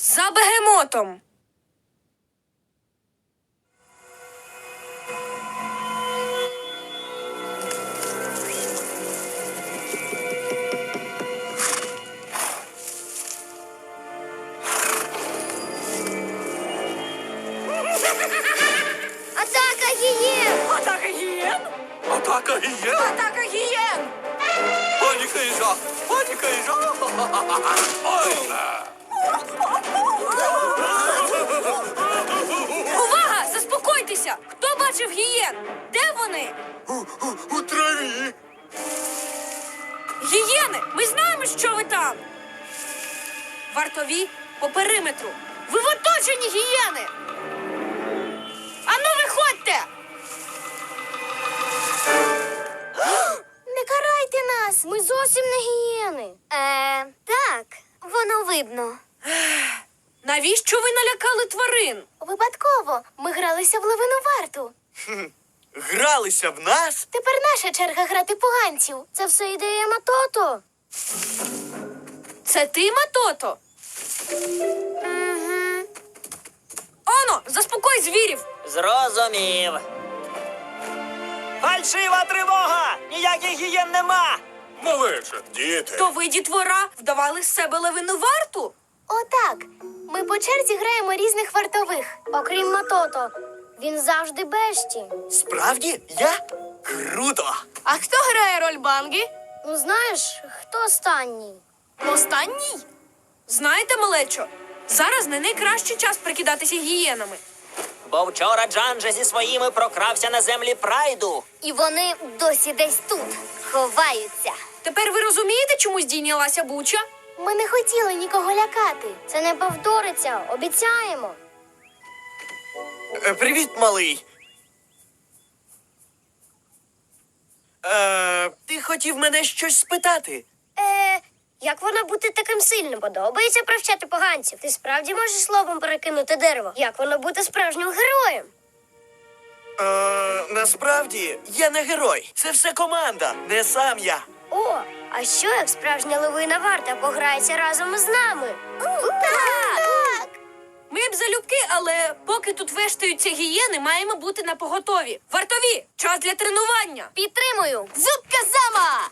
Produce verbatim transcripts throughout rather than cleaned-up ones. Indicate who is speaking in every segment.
Speaker 1: За бегемотом.
Speaker 2: Атака гієн!
Speaker 1: Атака гієн!
Speaker 3: Атака гієн!
Speaker 1: Атака гієн!
Speaker 3: Паніка і жах! Паніка і жах! Ой!
Speaker 1: Увага! Заспокойтеся! Хто бачив гієн? Де вони?
Speaker 3: У, у, у траві!
Speaker 1: Гієни! Ми знаємо, що ви там! Вартові по периметру. Ви в оточенні, гієни! Ану, виходьте!
Speaker 2: Не карайте нас! Ми зовсім не гієни. Е, так, воно видно.
Speaker 1: Навіщо ви налякали тварин?
Speaker 2: Випадково. Ми гралися в левину варту.
Speaker 3: Гралися в нас?
Speaker 2: Тепер наша черга грати поганців. Це все ідея Матото.
Speaker 1: Це ти, Матото?
Speaker 2: Угу.
Speaker 1: Оно, заспокой звірів!
Speaker 4: Зрозумів. Фальшива тривога! Ніяких гієн нема!
Speaker 3: Малече, діти.
Speaker 1: То ви, дітвора, вдавали з себе левину варту?
Speaker 2: Отак. Ми по черзі граємо різних вартових. Окрім Матото. Він завжди бешті.
Speaker 3: Справді? Я? Круто!
Speaker 1: А хто грає роль Банги?
Speaker 2: Ну знаєш, хто останній?
Speaker 1: Останній? Знаєте, малечо, зараз не найкращий час прикидатися гієнами.
Speaker 4: Бо вчора Джанджа зі своїми прокрався на землі Прайду.
Speaker 2: І вони досі десь тут. Ховаються.
Speaker 1: Тепер ви розумієте, чому здійнялася буча?
Speaker 2: Ми не хотіли нікого лякати. Це не повториться, обіцяємо.
Speaker 3: Е, Привіт, малий. Е, ти хотів мене щось спитати?
Speaker 2: Е, як вона бути таким сильним? Подобається привчати поганців. Ти справді можеш словом перекинути дерево? Як воно бути справжнім героєм?
Speaker 3: Е, насправді, я не герой. Це все команда, не сам я.
Speaker 2: О, а що як справжня левина варта пограється разом із нами? Так!
Speaker 1: Ми б залюбки, але поки тут вештаються гієни, маємо бути напоготові. Вартові, час для тренування.
Speaker 2: Підтримую!
Speaker 1: Зубка зама!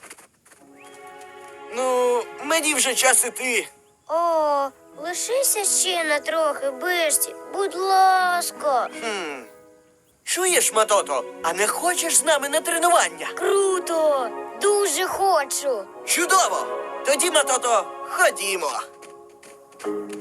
Speaker 3: Ну, мені вже час іти.
Speaker 2: О, лишися ще на трохи, Бешті. Будь ласка.
Speaker 3: Хм. Чуєш, Матото, а не хочеш з нами на тренування?
Speaker 2: Круто! Дуже хочу.
Speaker 3: Чудово! Тоді, Матото, ходімо.